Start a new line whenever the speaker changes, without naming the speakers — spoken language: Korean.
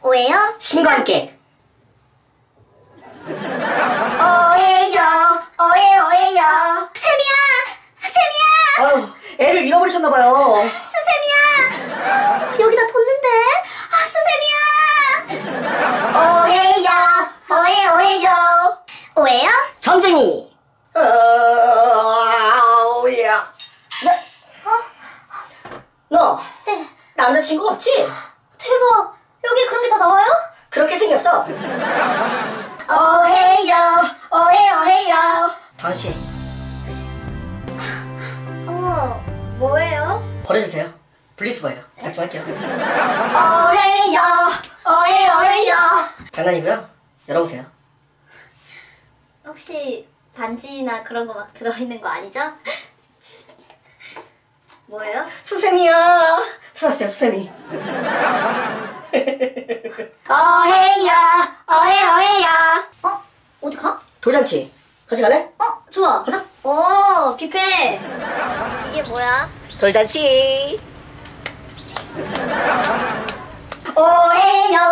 오해요?
신과 함께.
오해요. 오해요. 세미야! 세미야!
아유, 애를 잃어버리셨나봐요.
수세미야! 여기다 뒀는데? 수세미야! 오해요. 오해요?
점쟁이. 오야. 너
네.
남자친구 없지?
대박! 여기 그런 게 다 나와요?
그렇게 생겼어.
오해요.
다은씨,
뭐예요?
버려주세요. 분리수거예요. 부탁 좀 할게요.
오해요.
장난이고요. 열어보세요.
혹시 반지나 그런 거 막 들어있는 거 아니죠? 뭐예요?
수세미야. 찾았어요, 수세미.
오해요. 어디 가?
돌잔치. 같이 갈래?
좋아.
가자.
오, 뷔페. 이게 뭐야?
돌잔치.
오해요.